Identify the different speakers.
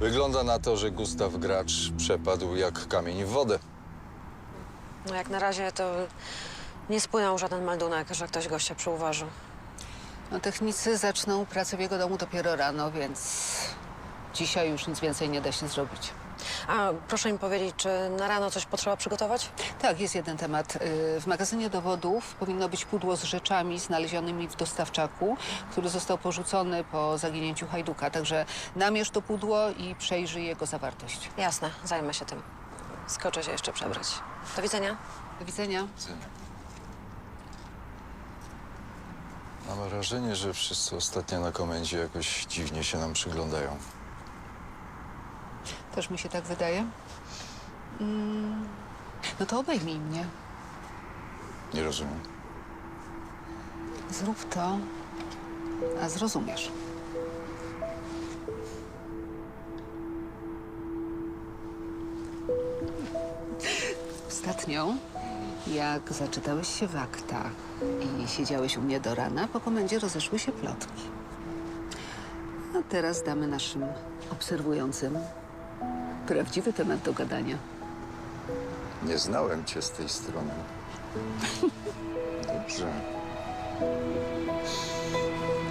Speaker 1: Wygląda na to, że Gustaw Gracz przepadł jak kamień w wodę.
Speaker 2: No jak na razie to nie spłynął żaden meldunek, że ktoś gościa przyuważył.
Speaker 3: No, technicy zaczną pracę w jego domu dopiero rano, więc dzisiaj już nic więcej nie da się zrobić.
Speaker 2: A proszę mi powiedzieć, czy na rano coś potrzeba przygotować?
Speaker 3: Tak, jest jeden temat. W magazynie dowodów powinno być pudło z rzeczami znalezionymi w dostawczaku, który został porzucony po zaginięciu Hajduka. Także namierz to pudło i przejrzyj jego zawartość.
Speaker 2: Jasne, zajmę się tym. Skoczę się jeszcze przebrać. Do widzenia.
Speaker 3: Do widzenia.
Speaker 1: Mam wrażenie, że wszyscy ostatnio na komendzie jakoś dziwnie się nam przyglądają.
Speaker 3: Też mi się tak wydaje. No to obejmij mnie.
Speaker 1: Nie rozumiem.
Speaker 3: Zrób to, a zrozumiesz. Ostatnio, jak zaczytałeś się w akta i siedziałeś u mnie do rana, po komendzie rozeszły się plotki. A teraz damy naszym obserwującym prawdziwy temat do gadania.
Speaker 1: Nie znałem cię z tej strony. Dobrze.